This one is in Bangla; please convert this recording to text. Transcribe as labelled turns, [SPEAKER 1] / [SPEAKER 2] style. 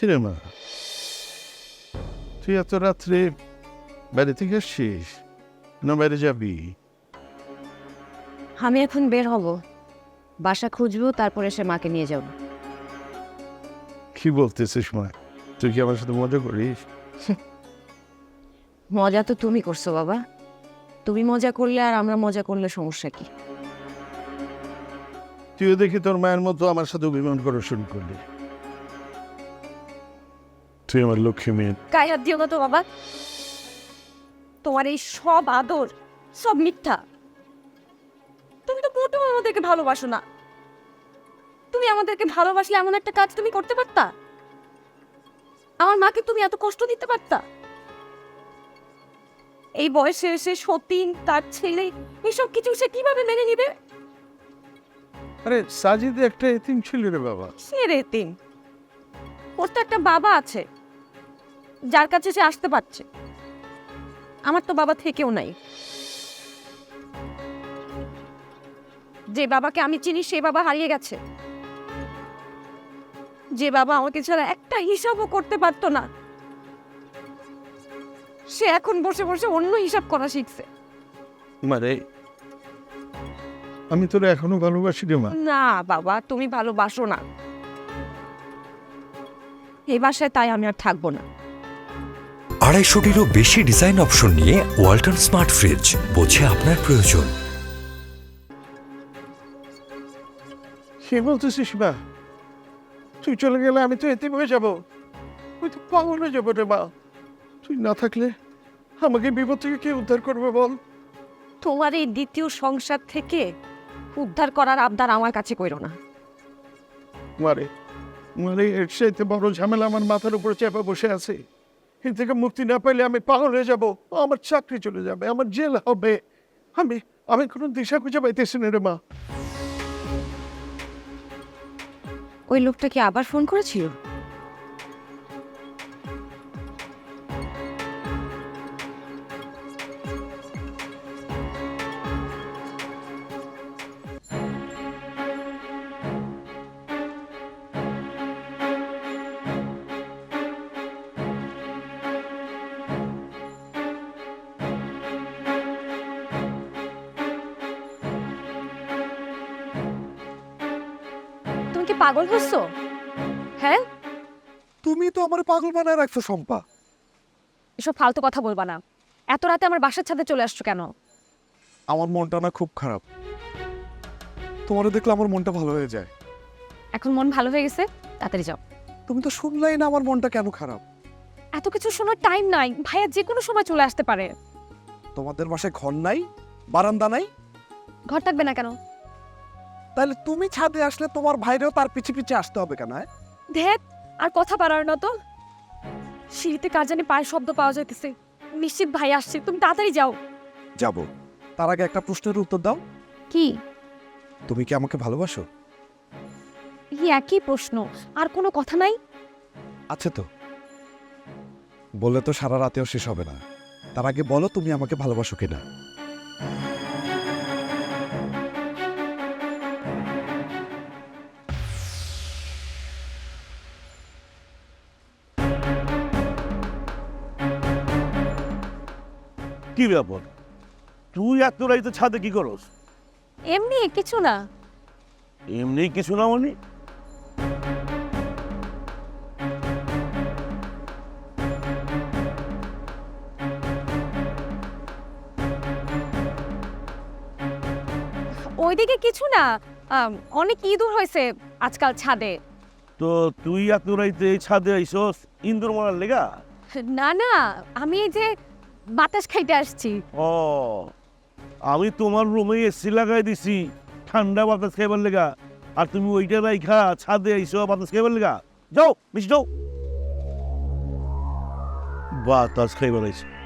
[SPEAKER 1] কিরে মা, তুই এত রাত্রে বাইরে থেকে আসছিস না বাইরে যাবি?
[SPEAKER 2] আমি এখন বের হব, বাসা খুঁজবো, তারপরে সে মাকে নিয়ে যাব।
[SPEAKER 1] কি বলতেছিস মা? তুই কি আমার সাথে মজা করিস?
[SPEAKER 2] মজা তো তুমি করছো বাবা। তুমি মজা করলে আর আমরা মজা করলে সমস্যা কি?
[SPEAKER 1] তুইও দেখি তোর মায়ের মতো আমার সাথে অভিমান করা শুরু করলি। তুই আমার লক্ষ্মী মেয়ে।
[SPEAKER 2] গায়ে হাত দিও না তো বাবা। তোমার এই সব আদর সব মিথ্যা। তুমি তো মোটেও আমাদেরকে ভালোবাসো না। তুমি আমাদেরকে ভালোবাসলে এমন একটা কাজ তুমি করতে পারতা? আমার মাকে তুমি এত কষ্ট দিতে পারতা? এই বয়সে এসে সতীন, তার ছেলে, এসব কিছু সে কিভাবে মেনে নিবে?
[SPEAKER 1] আরে সাজিদ একটা এতিম ছিল রে বাবা।
[SPEAKER 2] সে রেতিম, ওর তো একটা বাবা আছে যার কাছে সে আসতে পারছে। আমার তো বাবা থেকেও নাই। যে বাবাকে আমি চিনি সে বাবা হারিয়ে গেছে। যে বাবা আমাকে ছাড়া একটা হিসাবও করতে পারতো না, সে এখন বসে বসে অন্য হিসাব করা শিখছে।
[SPEAKER 1] মারে, আমি তোর এখনো ভালোবাসি রে মা।
[SPEAKER 2] না বাবা, তুমি ভালোবাসো না। এই বাসায় তাই আমি আর থাকবো না।
[SPEAKER 3] 250-টিরও বেশি ডিজাইন অপশন নিয়ে ওয়ালটন স্মার্ট ফ্রিজ, বোঝে আপনার প্রয়োজন।
[SPEAKER 1] সে বলতেছিস মা, তুই চলে গেলে আমি তো এতিম হয়ে যাবো, আমি তো পাগল হয়ে যাবো রে মা। তুই না থাকলে আমাকে বিপদ থেকে কে উদ্ধার করবে বল?
[SPEAKER 2] তোমার এই দ্বিতীয় সংসার থেকে উদ্ধার করার আবদার আমার কাছে কইরো না।
[SPEAKER 1] মারে মারে, এর চাইতে বড় ঝামেলা আমার মাথার উপরে চেপে বসে আছে। এর থেকে মুক্তি না পাইলে আমি পাগল হয়ে যাব, আমার চাকরি চলে যাবে, আমার জেল হবে। আমি আমি কোনো দিশা খুঁজে পাইতেছি না রে মা।
[SPEAKER 2] ওই লোকটা কি আবার ফোন করেছিল? তুমি কি পাগল হচ্ছ? হ্যাঁ,
[SPEAKER 4] তুমি তো আমার পাগল বানায় রাখছো শম্পা।
[SPEAKER 2] এসব ফালতু কথা বলবা না। এত রাতে আমার বাসার ছাদে চলে আসছো কেন?
[SPEAKER 4] আমার মনটা না খুব খারাপ, তোমারে দেখলে আমার মনটা ভালো হয়ে যায়।
[SPEAKER 2] এখন মন ভালো হয়ে গেছে, তাড়াতাড়ি যাও।
[SPEAKER 4] তুমি তো শুনলাই না আমার মনটা কেন খারাপ।
[SPEAKER 2] এত কিছু শোনার টাইম নাই, ভাইয়া যে কোনো সময় চলে আসতে পারে।
[SPEAKER 4] তোমাদের বাসায় ঘর নাই, বারান্দা নাই,
[SPEAKER 2] ঘর থাকবে না কেন?
[SPEAKER 4] তাহলে তুমি ছাদে আসলে তোমার ভাইরেও তার পিছে পিছে আসতে হবে কেন?
[SPEAKER 2] ধ্যাত, আর কথা পারার না তো। সিঁড়িতে কার জানি পায়ের শব্দ পাওয়া যাইতেছে, নিশ্চিত ভাই আসছে। তুমি তাড়াতাড়ি যাও।
[SPEAKER 4] যাব, তার আগে একটা প্রশ্নের উত্তর দাও।
[SPEAKER 2] কি?
[SPEAKER 4] তুমি কি আমাকে ভালোবাসো?
[SPEAKER 2] এই একই প্রশ্ন, আর কোনো কথা নাই?
[SPEAKER 4] আছে তো, বললে তো সারা রাতেও শেষ হবে না। তার আগে বলো তুমি আমাকে ভালোবাসো কিনা।
[SPEAKER 5] কি ব্যাপার, তুই এত রাইতে ছাদে কি করস?
[SPEAKER 2] এমনি কিছু না।
[SPEAKER 5] এমনি কিছু না মানে?
[SPEAKER 2] ওইদিকে কিছু না। অনেক ইঁদুর হয়েছে আজকাল ছাদে।
[SPEAKER 5] তো তুই এত রাইতে এই ছাদে আইসস ইন্দুর মারার লেগা?
[SPEAKER 2] না না, আমি এই যে বাতাস খাইতে আসছি।
[SPEAKER 5] ও, আমি তোমার রুমে এসি লাগাই দিছি ঠান্ডা বাতাস খাইবার লেগা, আর তুমি ওইটা রাইখা ছাদে আইসো বাতাস খাইবার লেগা? যাও বেশি যাও, বাতাস খাইবার আইসো।